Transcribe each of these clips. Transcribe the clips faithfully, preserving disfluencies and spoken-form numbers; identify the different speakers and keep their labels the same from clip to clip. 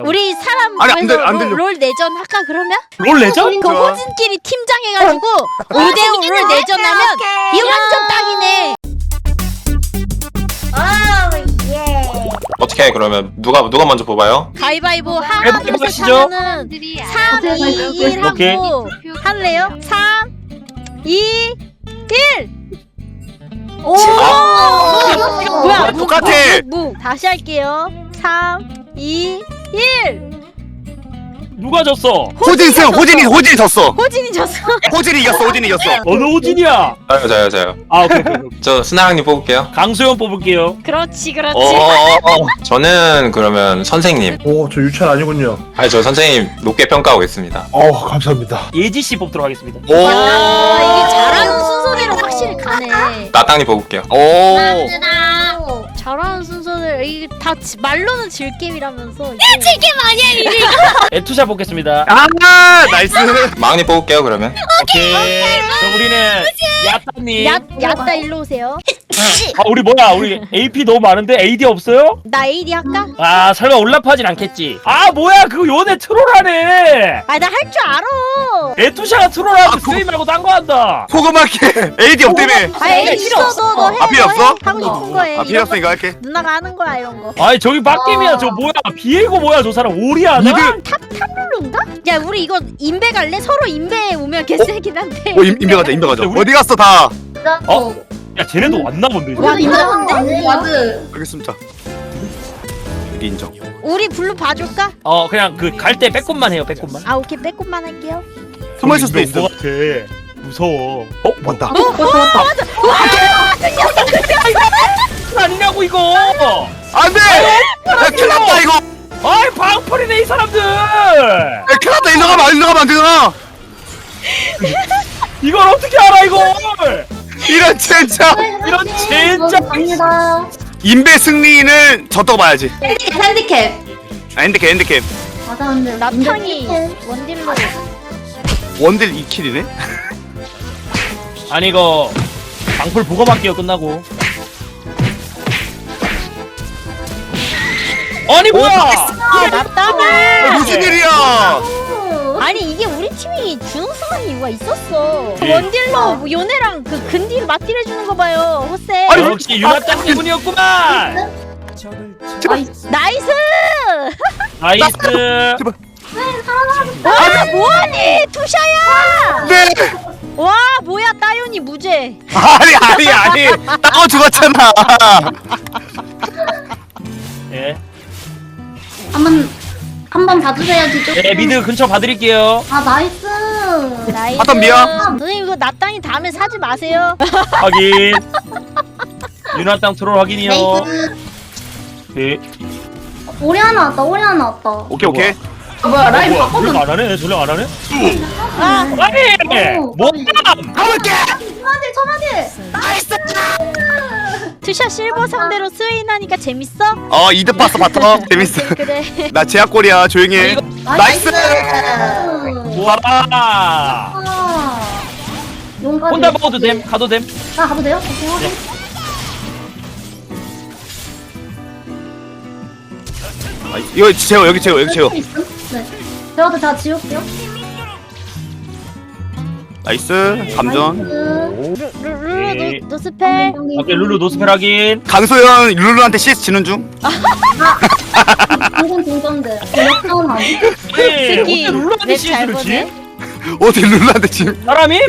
Speaker 1: 우리 사람
Speaker 2: 아니, 안
Speaker 1: 구해서
Speaker 2: 들- 안
Speaker 1: 롤,
Speaker 2: 들려.
Speaker 1: 롤 내전 할까 그러면?
Speaker 3: 롤 레전?
Speaker 1: 그 호진끼리 팀장 해가지고 오 대 오를 내전하면 이 완전 딱이네.
Speaker 4: 어떻게 해 그러면 누가 누가 먼저 뽑아요?
Speaker 1: 가위바위보 하나
Speaker 3: 가위바위보
Speaker 1: 둘셋
Speaker 3: 하시죠.
Speaker 1: 하면은 삼, 이, 일
Speaker 3: 오케이.
Speaker 1: 하고 할래요? 삼, 이, 일. 오! 뭐야? 무,
Speaker 2: 똑같아.
Speaker 1: 무, 무. 다시 할게요. 삼, 이, 일.
Speaker 3: 누가 졌어?
Speaker 2: 호진 승 호진이 호진이 졌어.
Speaker 1: 호진이 졌어.
Speaker 2: 호진이 이겼어. 호진이 이겼어.
Speaker 3: 어느 호진이야?
Speaker 4: 저요 저요 저요.
Speaker 3: 아 오케이 오케이, 오케이.
Speaker 4: 저 스나랑님 뽑을게요.
Speaker 3: 강소연 뽑을게요.
Speaker 1: 그렇지, 그렇지.
Speaker 4: 어, 저는 그러면 선생님.
Speaker 5: 오, 저 유찬 아니군요.
Speaker 4: 아니 저 선생님 높게 평가하고 있습니다.
Speaker 5: 어, 감사합니다.
Speaker 3: 예지 씨 뽑도록 하겠습니다.
Speaker 2: 오.
Speaker 1: 야, 이게 잘하는 순서대로 확실히 가네.
Speaker 4: 나땅님 뽑을게요.
Speaker 2: 오.
Speaker 1: 오, 잘하는 순서대로 이게 다 지, 말로는 질게임이라면서. 질게임 아니야 이게.
Speaker 3: 에투샤 뽑겠습니다.
Speaker 2: 아 나이스.
Speaker 4: 마왕님 뽑을게요 그러면.
Speaker 3: 오케이. 그럼 우리는 야따님.
Speaker 1: 야, 야따 일로 오세요.
Speaker 3: 아 우리 뭐야? 우리 에이피 너무 많은데 에이디 없어요?
Speaker 1: 나 에이디 할까?
Speaker 3: 아 설마 올라파진 않겠지? 아 뭐야 그거 요네 트롤하네.
Speaker 1: 아, 나 할 줄 알아.
Speaker 3: 에투샤가 트롤하고
Speaker 2: 아,
Speaker 3: 스웨이 말고 딴 거 한다.
Speaker 2: 포그마켓 에이디 없다며.
Speaker 1: 아, 에이디 있어도 너 해.
Speaker 2: 아, 필요
Speaker 1: 너
Speaker 2: 없어?
Speaker 1: 해. 하고 싶은 거 해.
Speaker 2: 아 필요 없으니까 할게.
Speaker 1: 누나가 하는 거야 이런 거.
Speaker 3: 아니 저기 빡겜이야 저 뭐야 비에고 뭐야 저 사람 오리아나?
Speaker 2: 미드.
Speaker 1: 탑탑룰루인가? 야, 우리 이거 인베 갈래? 서로 인베 오면 개쎄긴 한데.
Speaker 2: 어 임, 인베 가자 인베 가자.
Speaker 3: 우리-
Speaker 2: 어디 갔어 다.
Speaker 3: 어? 야 쟤네도 왔나 본데 이제.
Speaker 1: 와, 인정한데?
Speaker 6: 와드.
Speaker 2: 알겠습니다. 여기 인정.
Speaker 1: 우리 블루 봐줄까?
Speaker 3: 어 그냥 그 갈 때 빼꼼만 해요 빼꼼만.
Speaker 1: 아, 오케이, 빼꼼만 할게요.
Speaker 2: 숨어 있을 수도
Speaker 3: 온거
Speaker 2: 있어.
Speaker 3: 같아. 무서워. 어?
Speaker 2: 왔다.
Speaker 6: 왔다 왔다.
Speaker 3: 아니냐고 이거.
Speaker 2: 안돼. 야 큰일 났다 이거.
Speaker 3: 아이 방풀이네 이 사람들.
Speaker 2: 야 큰일 났다. 일로 가면 일로 가면 안 되잖아.
Speaker 3: 이걸 어떻게 알아 이걸?
Speaker 2: 이런 진짜.
Speaker 3: 이런 진짜.
Speaker 6: 갑니다.
Speaker 2: 인베 승리는 졌다고 봐야지.
Speaker 6: 핸디캡 핸디캡.
Speaker 2: 아 핸드캡 핸드캡.
Speaker 6: 맞아 근데
Speaker 1: 나탕이 원딜로.
Speaker 2: 원딜 이 킬이네.
Speaker 3: 아니 이거 방풀 보고 받기요 끝나고. 아니 뭐야?
Speaker 1: 아, 나따가.
Speaker 2: 무슨 일이야?
Speaker 1: 아니, 이게 우리 팀이 준우승한 이유가 있었어.
Speaker 3: 예.
Speaker 1: 원딜로 뭐 요네랑 그 근딜 맞딜 해주는 거 봐요, 호세.
Speaker 2: 아니,
Speaker 3: 역시 유나땅 때문이었구만.
Speaker 1: 나이스!
Speaker 3: 나이스.
Speaker 1: 와, 뭐하니, 투샤야!
Speaker 2: 네.
Speaker 1: 와, 뭐야, 따윤이 무죄.
Speaker 2: 아니 아니 아니. 따고 죽었잖아.
Speaker 3: 예.
Speaker 6: 한번 한번 봐주세요 뒤쪽.
Speaker 3: 예 미드 근처 봐드릴게요.
Speaker 6: 아 나이스.
Speaker 1: 나이스.
Speaker 2: 바텀 미야.
Speaker 1: 선생님, 이거 나 땅이 다음에 사지 마세요.
Speaker 3: 확인. 유나땅 트롤 확인이요.
Speaker 6: 나이스.
Speaker 3: 예.
Speaker 6: 오리 하나 왔다. 오리 하나 왔다.
Speaker 2: 오케이 오케이.
Speaker 6: 뭐야 라인
Speaker 3: 뭐야
Speaker 6: 바꿔.
Speaker 3: 전령 안 하네? 전령 안 하네?
Speaker 1: 아,
Speaker 3: 아니
Speaker 6: 오,
Speaker 3: 뭐?
Speaker 2: 가볼게.
Speaker 6: 초마딜 초마딜.
Speaker 1: 투샤 실버 상대로 스웨인 하니까 재밌어?
Speaker 2: 어 이득 봤어 바텀. 재밌어.
Speaker 1: 그래.
Speaker 2: 나 제약골이야 조용히 해. 나이스.
Speaker 3: 와.
Speaker 6: 아. 용까지.
Speaker 3: 혼자 먹어도 됨. 가도 됨.
Speaker 6: 나 가도 돼요? 오케이 확인.
Speaker 2: 아, 이거 재워 여기 재워 여기 재워.
Speaker 6: 있음? 네. 제가 제가 지울게요.
Speaker 2: 나이스. 감전.
Speaker 6: 나이스.
Speaker 1: 루, 루, 루,
Speaker 3: 예.
Speaker 1: 노, 노스펠.
Speaker 3: 오케이 룰루 노스펠 확인.
Speaker 2: 강소연 룰루한테 씨에스 지는 중.
Speaker 6: 동전 동전데. 역사는 아니.
Speaker 3: 예.
Speaker 1: 새끼,
Speaker 3: 어떻게 룰루한테
Speaker 1: 랩잘
Speaker 3: 씨에스를 지?
Speaker 2: 어디 룰루한테 지금.
Speaker 3: 사람이?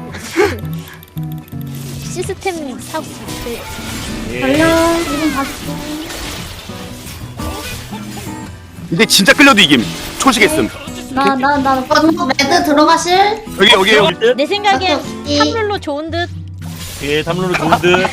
Speaker 1: 시스템 사고. 그,
Speaker 6: 전령 이분 봐줄게.
Speaker 2: 근데 진짜 끌려도 이김. 초식했음.
Speaker 6: 나나나 매드 들어가실?
Speaker 2: 여기 여기 여기.
Speaker 3: 듯?
Speaker 1: 내 생각엔
Speaker 6: 이-
Speaker 1: 탑룰로 좋은 듯.
Speaker 3: 예, 탐룰루 좋은 듯.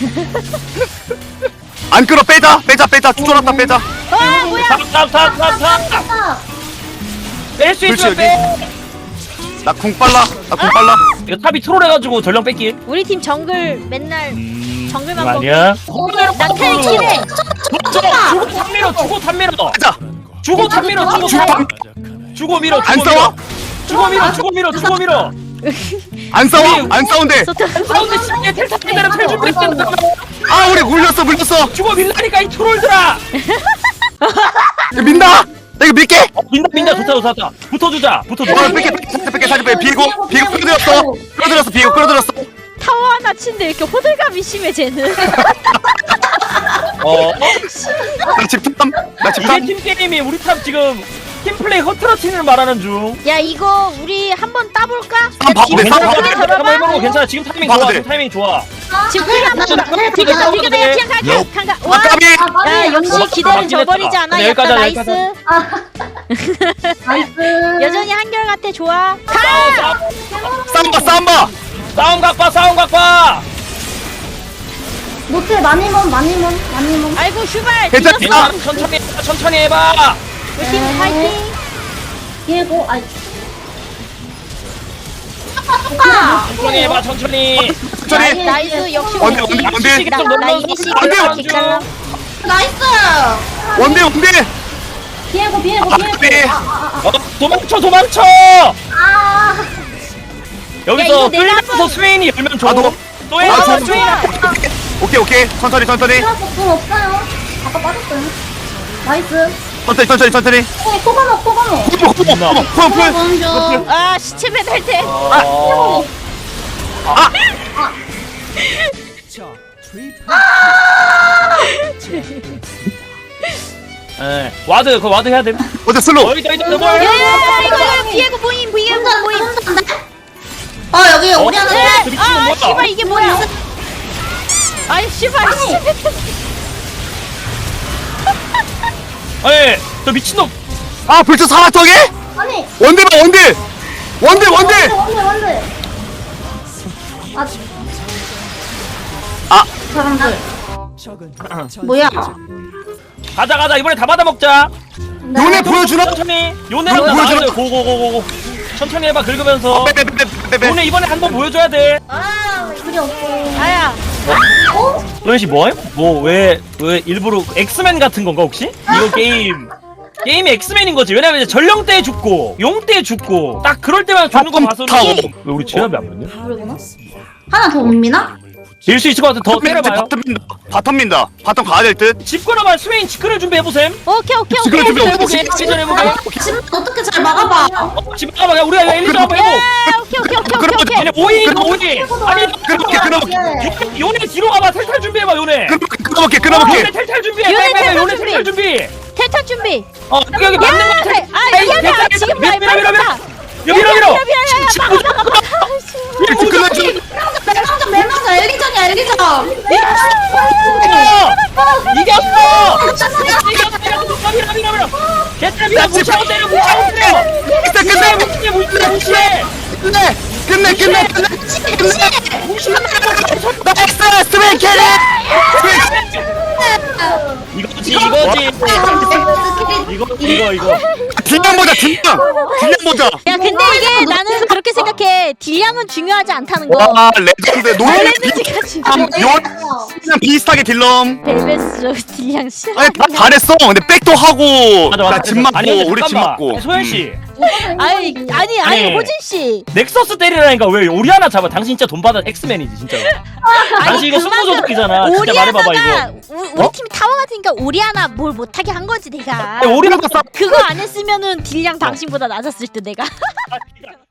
Speaker 2: 안 끌어 빼자 빼자 빼자 쫄았다 빼자.
Speaker 1: 와, 뭐야?
Speaker 3: 탑탑탑탑탑. 뺄수
Speaker 2: 그렇지
Speaker 3: 있어
Speaker 2: 여기.
Speaker 3: 빼.
Speaker 2: 나 궁 빨라 나 궁 빨라.
Speaker 3: 이거 탑이 트롤 해가지고 전령 뺏기.
Speaker 1: 우리 팀 정글 맨날 정글만
Speaker 3: 이거
Speaker 1: 먹고.
Speaker 3: 아니야?
Speaker 1: 나탈 키래.
Speaker 3: 주고 탑 밀어 주고 탑 밀어.
Speaker 2: 가자.
Speaker 3: 주고 탑 밀어 주고
Speaker 2: 주고
Speaker 3: 탑. 주고 밀어
Speaker 2: 안
Speaker 3: 주고
Speaker 2: 싸워?
Speaker 3: 밀어. 주고 밀어 주고 밀어 주고 밀어.
Speaker 2: 안 싸워 안 싸운데.
Speaker 1: 소트.
Speaker 3: 사운드 십개 텔 탑대로 텔 준비했다.
Speaker 2: 아 우리 물렸어 물렸어.
Speaker 3: 주고 밀라니까 이 트롤들아.
Speaker 2: 야, 민다. 나 이거 밀게.
Speaker 3: 어, 민다 민다 좋다 좋다 좋다. 붙어주자 붙어주자.
Speaker 2: 어 뺄게 뺄게 뺄게 사진 빼. 비고 비고 끌어들였어. 끌어들였어 비고 끌어들였어.
Speaker 1: 타워 하나 친데 이렇게 호들갑이 심해 쟤는.
Speaker 3: 어?
Speaker 2: 나 집탐. 나
Speaker 3: 이게
Speaker 2: 집탐.
Speaker 3: 팀 게임이 우리 탑 지금 팀플레이 허트러팅을 말하는 중.
Speaker 1: 야 이거 우리 한번 따볼까?
Speaker 2: 한번 봐도 돼,
Speaker 3: 괜찮아
Speaker 2: 한번
Speaker 1: 지금
Speaker 2: 봐도 돼.
Speaker 3: 한번 해보고 괜찮아. 지금 타이밍
Speaker 2: 봐도
Speaker 3: 좋아.
Speaker 2: 돼.
Speaker 3: 지금 타이밍 좋아.
Speaker 1: 지금 우리 한번 따.
Speaker 3: 지금
Speaker 1: 이거
Speaker 3: 따도
Speaker 1: 이거
Speaker 3: 돼.
Speaker 1: 내가 그냥 갈게. 간가. 와.
Speaker 2: 아까비.
Speaker 1: 야 역시
Speaker 3: 어,
Speaker 1: 기대는
Speaker 3: 맞긴
Speaker 1: 저버리지
Speaker 3: 했다.
Speaker 1: 않아.
Speaker 3: 근데
Speaker 1: 약간
Speaker 3: 여기까지 하자,
Speaker 1: 나이스.
Speaker 6: 나이스.
Speaker 1: 여전히 한결같아 좋아.
Speaker 3: 싸움
Speaker 2: 쌈바 쌈바.
Speaker 3: 싸움 각봐 싸움 각봐.
Speaker 6: 노트 많이 몸 많이 몸 많이 몸.
Speaker 1: 아이고 슈발
Speaker 2: 괜찮다.
Speaker 1: 뒤졌어.
Speaker 3: 괜찮아. 천천히 해봐, 천천히 해봐.
Speaker 1: 우리 팀 파이팅.
Speaker 6: 비고 아이.
Speaker 3: 천천히 해봐 천천히.
Speaker 2: 천천히.
Speaker 1: 나이스 역시
Speaker 2: 원대 원대 원대.
Speaker 1: 나 나이니 씨
Speaker 2: 안 돼요.
Speaker 1: 개깔라.
Speaker 6: 나이스.
Speaker 2: 원대 원대.
Speaker 6: 비고 비고
Speaker 2: 아까비.
Speaker 6: 비고. 아아아
Speaker 3: 어, 도망쳐 도망쳐.
Speaker 6: 아.
Speaker 3: 여기서
Speaker 1: 이거 내가
Speaker 3: 플레이에서 스웨인이 열면 줘.
Speaker 2: 아, 너-
Speaker 3: 또
Speaker 2: 아,
Speaker 3: 해서
Speaker 2: 저-
Speaker 3: 스웨인.
Speaker 2: 오케이 오케이 천천히 천천히
Speaker 6: 돈 없어요. 아까 빠졌어요. 나이스.
Speaker 2: 천천히 천천히 천천히.
Speaker 6: 어, 코바노 코바노.
Speaker 2: 푸푸푸푸푸.
Speaker 6: 먼저.
Speaker 1: 아 시체 배달 때.
Speaker 3: 어. 예, 와드 그 와드 해야 돼.
Speaker 2: 어제 슬로우.
Speaker 3: 어이다 어이다 어이다.
Speaker 1: 야 이거 이거 비에고 보임 비에고 보임.
Speaker 6: 어 여기 우리 하나.
Speaker 3: 그 미친놈
Speaker 1: 아
Speaker 3: 뭐야?
Speaker 1: 씨발 이게 뭐야? 아이 씨발 씨.
Speaker 3: 예, 저 미친놈.
Speaker 2: 아 벌써 사왔더게?
Speaker 6: 아니.
Speaker 2: 원대 봐 원대. 원대 원대.
Speaker 6: 원래 원래. 아.
Speaker 2: 아.
Speaker 6: 사람들. 뭐야?
Speaker 3: 가자 가자 이번에 다 받아 먹자.
Speaker 2: 요네 보여주나?
Speaker 3: 천천히. 요네랑 나
Speaker 2: 보여주나?
Speaker 3: 나가자. 고고고고고. 천천히 해봐 긁으면서.
Speaker 2: 빼빼빼빼빼.
Speaker 3: 요네 이번에 한 번 보여줘야 돼.
Speaker 6: 아 그리 없고.
Speaker 1: 아야.
Speaker 6: 어?
Speaker 3: 노현 씨 뭐해? 뭐왜 왜 일부러 엑스맨 같은 건가 혹시? 이거 게임 게임이 엑스맨인 거지. 왜냐면 이제 전령 때 죽고 용 때 죽고 딱 그럴 때만 죽는 거 봐서는
Speaker 2: 타워.
Speaker 3: 왜 우리 제압이 안 맞냐?
Speaker 6: 모르구나. 하나 더 옵니다.
Speaker 3: 질 수 있을 것 같아. 더 때려봐요.
Speaker 2: 바텀 민다. 바텀 민다. 바텀 가야 될 듯.
Speaker 3: 집 끌어봐. 스웨인 집 끌어 준비해보셈.
Speaker 1: 오케이 오케이
Speaker 2: 지금
Speaker 1: 오케이.
Speaker 2: 준비
Speaker 3: 해보게. 시전 해보게.
Speaker 6: 지금 어떻게 잘 막아봐.
Speaker 3: 어, 집 끌어봐. 야, 우리가 엘리자 한번 해보.
Speaker 1: 야 오케이 오케이 오케이 오케이 오케이.
Speaker 3: 얘네 오인 오인. 아니
Speaker 2: 끊어볼게 끊어볼게.
Speaker 3: 요- 요네 뒤로 가봐. 탈탈 준비해봐 요네.
Speaker 2: 끊어볼게
Speaker 3: 어,
Speaker 2: 끊어볼게.
Speaker 3: 요네 탈탈 준비해.
Speaker 1: 요네
Speaker 3: 빨리 빨리
Speaker 1: 탈탈
Speaker 3: 요네
Speaker 1: 준비.
Speaker 3: 탈탈 준비.
Speaker 1: 탈탈 준비.
Speaker 3: 어 여기 여기 맞는 거 같아.
Speaker 1: 아 미안해 지금 말
Speaker 3: 밀어 밀어 밀어.
Speaker 1: 말했다.
Speaker 3: 여기 밀어 밀어.
Speaker 1: 미안해 미안해 막아 막아 막아.
Speaker 2: 이렇게 끊어줘.
Speaker 6: 멜망전 멜망전 엘리전이야 엘리전.
Speaker 3: 이겼어! 이겼어! 밀어 밀어 밀어! 개트랩이다 무시하고 때려 무시하고 때려!
Speaker 2: 끝내 끝내
Speaker 3: 무시해 무시해 무시해!
Speaker 2: 끝내 끝내 끝내 끝내 끝내.
Speaker 3: 무시해!
Speaker 2: 나이스 스웨인 캐리.
Speaker 3: 이거지 이거지! 이거 이거 이거
Speaker 2: 딜량 보자 딜량. 딜량 보자.
Speaker 1: 야 근데 이게 나는 그렇게 생각해. 딜량은 중요하지 않다는 거.
Speaker 2: 와 레전드 노래
Speaker 1: 레드지가 진짜.
Speaker 2: 그냥 비슷하게 딜럼.
Speaker 1: 벨베스 딜량 싫어.
Speaker 2: 아니 다 잘했어. 근데 백도 하고
Speaker 3: 맞아 맞아
Speaker 2: 나 집 맞고
Speaker 3: 아니 근데
Speaker 2: 우리 집
Speaker 3: 잠깐만.
Speaker 2: 맞고.
Speaker 3: 아니, 소연 씨
Speaker 1: 아니 아니 아니
Speaker 3: 아니.
Speaker 1: 호진 씨.
Speaker 3: 넥서스 때리라니까 왜 오리아나 잡아? 당신 진짜 돈 받아 엑스맨이지 진짜로. 당신 이거 승부조작이잖아. 진짜 말해봐봐
Speaker 1: 오리아나가
Speaker 3: 이거.
Speaker 1: 우- 우리
Speaker 3: 어?
Speaker 1: 팀이 타워 같으니까 오리아나 뭘 못하게 한 거지 내가.
Speaker 3: 아니, 오리아나
Speaker 2: 싸.
Speaker 1: 그거 안 했으면은 딜량 당신보다 낮았을 때 내가.
Speaker 3: 아,